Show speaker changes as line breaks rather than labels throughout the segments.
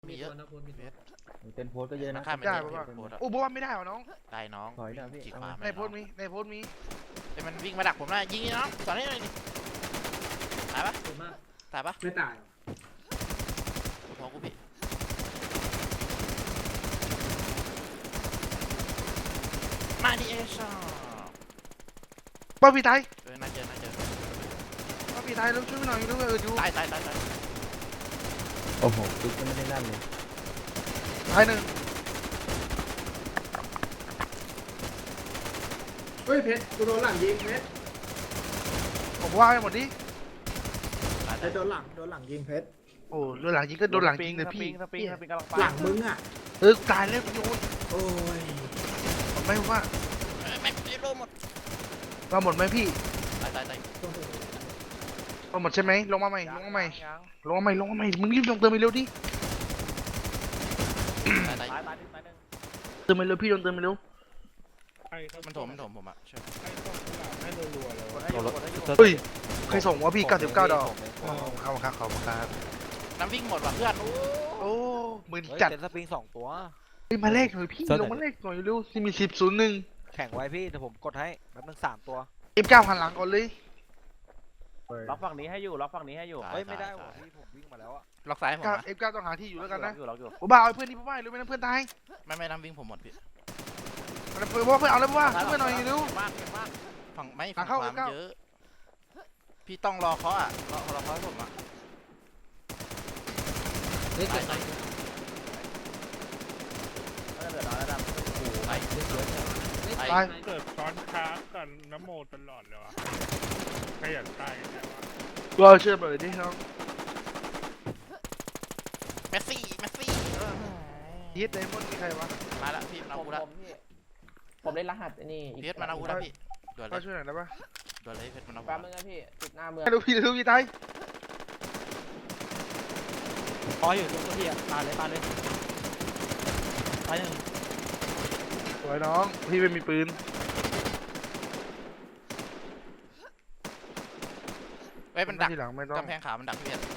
มีเยอะ
เต็นโพสก็เยอะนะ
ข้ามไป
ได้
เย
ป่ะ
อะโพส
โอ้บอกว่าไม่ได้เหรอน้อง
ได้น้อง
ถอยได้พี่
ขี่ขวา
ในโพสต์มีในโพสต์มี
แต่มันวิ่งมาดักผมนะยิงน้องสอนให้หน่อยดิตายปะตายปะ
ไม่ตาย
พอกูพี่มาดิเอชอ
ป้าพี่ตาย
น่าเจอ
ป้าพี่ตายแล้วช่วยหน่อยด้วยอยู่
ตาย
โอ้โหติ๊กก็ไม่ได้นั่นเลย
ตายหนึ่ง
เฮ้ยเพชรกูโดนหลังยิงเพชร
ผมว่าให้หมดดิ
ไอ้โดนหลังยิงเพชร
โอ้โดนหลังยิงก็โดนหลังยิงเลยพี่
สปริงกำลังไป
หลังมึงอ่ะ
ตายแล้วโยน
โอ้ย
ไม่ว่า
ไม่โลหมด
เราหมดไหมพี่
ตาย
เราหมดใช่ไหมลงมาใหม่มึงรีบลงเติมไปเร็วดิ
ตาย
ตายหนึ่ง
เติมไปเร็วพี่ลงเติมไปเร็ว
มันถมผมอ่ะช่วย
เฮ้ยใครส่งวะพี่99 ดอกขอบครับ
น้ำวิ่งหมดว่ะเพื่อน
โอ้หมื่น
จั
จั
ด
ด
สปริง2 ตัว
มาเลขหน่อยพี่ลงมาเลขหน่อยเร็วที่มี1001
แข่งไว้พี่เดี๋ยวผมกดให้แป๊บนึง3 ตัว
F9 หันหลังก่อนเลย
ล็อกฝั่งนี้ให้อยู่เฮ้ยไม่ได้ว่ะพี่ผมวิ่งมาแล้วอะ
ล็อกซ้ายผมนะ
F9 ต้องหาที่อยู่แล้วกันนะ
ล็อกอยู่
ผมบ้าเอาเพื่อนนี่พ่อบ้ารู้ไหมนะเพื่อนตาย
ไม่น้ำวิ่งผมหมดพี่
เพื่อนเอาแล้วพ่อเพื่อนหน่อยเร็ว
มาก
ฝั่งไม่
หลั
ฝั่
ง
ง
เข้า
ความ
เข้า
เยอะพี่ต้องรอเขาอ่ะรอเขาให้ผมอ่ะตาย
ก็เหลือน้อยแล้วดำ
ตาย
ตาย
เกิดซ้อนค้างกันน้ำโมตลอดเลยวะขยันตายกันแล้ววะ
ตัวเชื่อเลยดิน้อง
เมสซี่
ยีดไดมอนด์มีใครวะ
มาแล้วพี่มาอูแล้ว
ผมเล่นรหัสนี่
เพชรมานาอูแล้วพี่ด่วนเล
มาย ช่วยหน่อยได้ปะ
ด่วนเลยเพชรมานาอู
แป๊บนึงนะพี่ติดหน้าเมือง
ดูพี่ตาย
พออยู่ตรงตัวพี่อะตายเลยตายหนึ่ง
สวยน้องพี่ไม่มีปืน
ไว้มันดัก
ทีหลังไม่ต้อง
กำแพงขาวมันดักพี่เพชร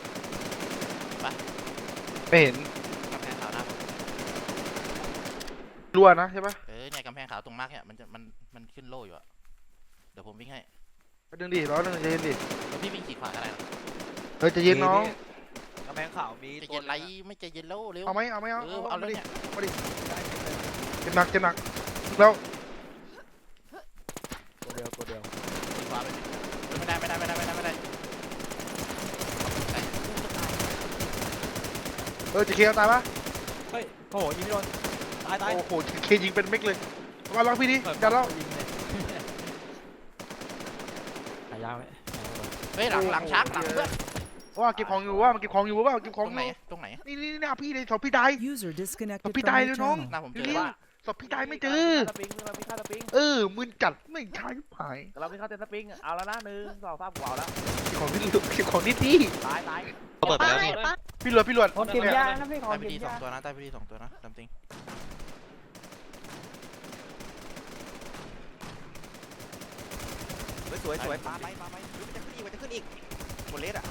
ไม่เห็น
กำแพงขาวนะ
รั่วนะใช่ปะ
เนี่ยกำแพงขาวตรงมาร์กเนี่ยมันขึ้นโล่อยู่อะเดี๋ยวผมวิ่งให้
ดึงดิร้อนดึงใจเย็นดิ
แล้วพี่วิ่งขี่ขวาอะไร
ใจเย็นน้อง
กำแพงขาวมี
จะเย็นไรไม่จะเย็นแล้วเร็ว
เอาไหมเอา
เอาเลยเนี่ย
เจ็บหนักแล้ว
ตัวเดียว
ขี่ขวาไปไม่ได้
จะเคลียร์ตายปะ
เฮ้ยโอ้โหยิงไม่โดนตาย
โอ้โหเคยิงเป็นเม็กเลยมาลองพี่ดิจัดแล้ว
หายาวไหม
เฮ้ยหลังชักหลังเพื่อน
ว่าเก็บของอยู่ว่ามันเก็บของอยู่ว่าเก็บข
ต
อง
รงไหนตรงไหน
นี่พี่เลยสอบพี่ตาย
User disconnected
Tapi
from
tayo
your
nung-
channel.
หน้าผมเจอ
นี่
ว่า
สอบพี่ตายไม่เจอ
สปริงเรามีค่าสปริง
มึนจัดไม่ใช่หาย
เรามีค่าเต็นสปริงเอาแล้วนะ1 2 3กว่าแล้ว
ของนี่เก็บของนี่ที่
ตาย
เปิดไปแล้วพี่
พี่หลวด
ผมเก็บยานะพี่ขอ
ใต้พิ
เก็บ
ธี
ยา
2 ตัวนะใต้พิธี2 ตัวนะจำจริง
สวยปาไปจะขึ้นอีกโคเลสอะ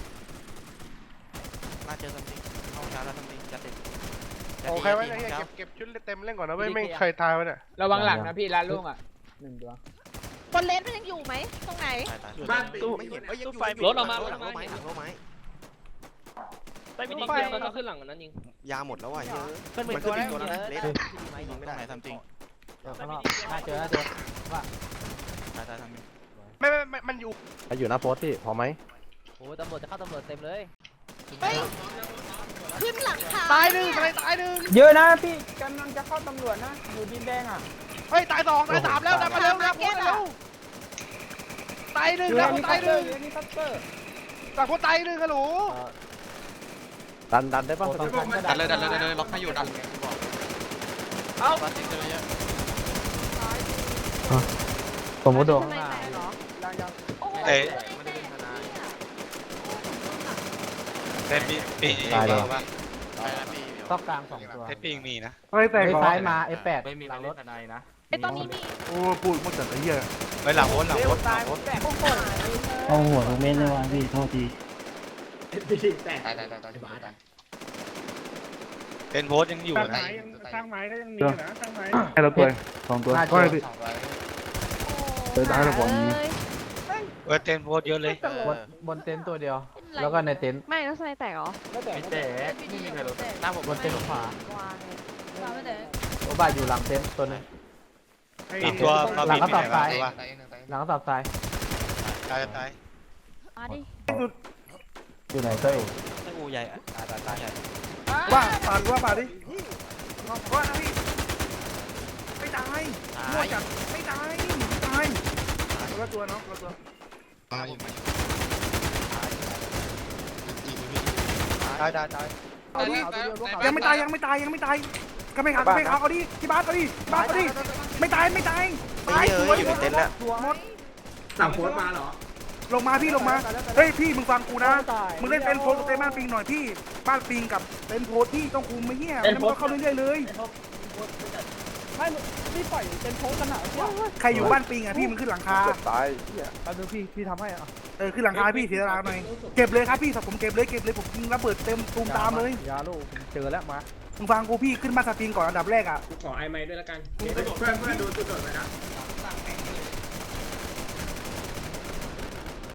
น่าเจอจำจริงเอาช้าแล้วจำจริงจะติด
โอ้ใครไว้เก็บชุดเต็มเล่นก่อนนะไม่เคยทายไว้เนี่ย
ระวังหลังนะพี่ร้านลุงอ่ะ1 ตัว
บนเลนมันยังอยู่ไหมตรงไหน
บ้านปิด
ไม่เห็นยังอยู่
รถออกมา
หลังรถไม้
ไม่มีไฟมันก็ขึ้นหลังนั้นยิง
ยาหมดแล้วว่ะเยอะ
ขึ้นเป็นตัวแล้วเลส
ตรงไหนทำจริง
น่าเจอ
ตายทำจริง
ไม่มันอยู่
อยู่หน้าโพสพี่พอไหม
โอ้ตำรวจจะเข้าตำรวจเต็มเลย
เฮ้ย ขึ้นหลังคา
ตายหนึ่งตายหนึ่ง
เยอะนะพี่กำลังจะเข้าตำรวจนะอยู่ดินแดงอ่ะ
เฮ้ยตาย2ตาย3แล้วดันมาเร็วตาย1แล้วตาย1
นี่พัตเตอร์
ต่างคนตาย1ฮัลโหล
ดันได้ป่ะ
ดันเลยล็อกให้อยู่ดันเอาปาติกเยอะ
ผมก็โดน
ข้างในไหนเหรอโอ้โห
แต่ปี
ตายเลย
ไปแล้วพี่
ต้องกลาง2 ตัว
เพชรปีมีนะ
เฮ้ยแต่
ซ้ายมา F8
ไม่มีหลังรถนายนะ
ไอตอนนี้มี
โอ้พูดมันจัดไอ้เหี้ย
ไปหลังโอนหลัง
เร็
โอ
วน ตายแตก
โอ้โห
เอาหัวทุกเม็ดเลยว่ะพี่โทษที
แตก
เป็นโพสยังอยู่
สร้าง
นะ
ไม้ยังสร้างไม้ก็ยังมีนะสร้างไม้
ให้เราตัว
สองตัว
ก็ให้พี่
เดินได้แล้วผม
เต็นโพสเยอะเลย
บนเต็นท์ตัวเดียว แล้วก็ในเต็นท์
ไม่แล้วสไนแตกเหรอ
ไม่แต่
ไม่มีใครรู้หน้าผม
บนเต็นท์ขวา
วางเลย
โอ้บ้านอยู่หลังเต็นท์ตัวนึง
อีกตัวมา
หลัง
บิน
ก็
ไป
ตั
ไหน
บ
วะ
ซ้ายหลังก็ตับซ้าย
ตายตาย
มาดิ
อยู่ไหนเต้ย
กูใหญ่ตายใหญ่
ว่าปาดว่าปาดดิว่านะพี่ไม่ตายมั่วจัดไม่ตายไม่ตายตัวตัวเนาะตัว
ตายตาย
เอาดิยังไม่ตายยังไม่ตายยังไม่ตายก็ไม่ขาดก็ไม่ขาดเอาดิที่บ้านเอาดิบ้านเอาดิไม่ตายไม่ตายตายสวยอยู่ในเต็นท์แล้วหมด
สั่งโพสต์มาเหรอ
ลงมาพี่ลงมาเฮ้ยพี่มึงฟังกูนะมึงเล่นเต็นท์โพสกับเต็นท์บ้านปิงหน่อยพี่บ้านปิงกับเต็นท์โพสพี่ต้องคุมไม่เหี้ยแล้วมันก็เข้าเรื่อยๆเลย
ไม่พี่ปล่อยเป็นโพสกันหนาเที่ยว
ใครอยู่บ้านปิงอ่ะพี่มึงขึ้นหลังคา
ตาย
แป๊บนึงพี่ทำให้อ่ะ
ขึ้นหลังคาพี่เสียดายหน่อยเก็บเลยครับพี่ผมเก็บเลยผมยิงระเบิดเต็มตูมตามเลย
ยาลูกเจอแล้วมา
มึงฟังกูพี่ขึ้นบ้านสปริงก่อนอันดับแรกอ่ะ
กูขอไอไม้ด้วยละกันเพื่อนดูจุดโดดไปนะ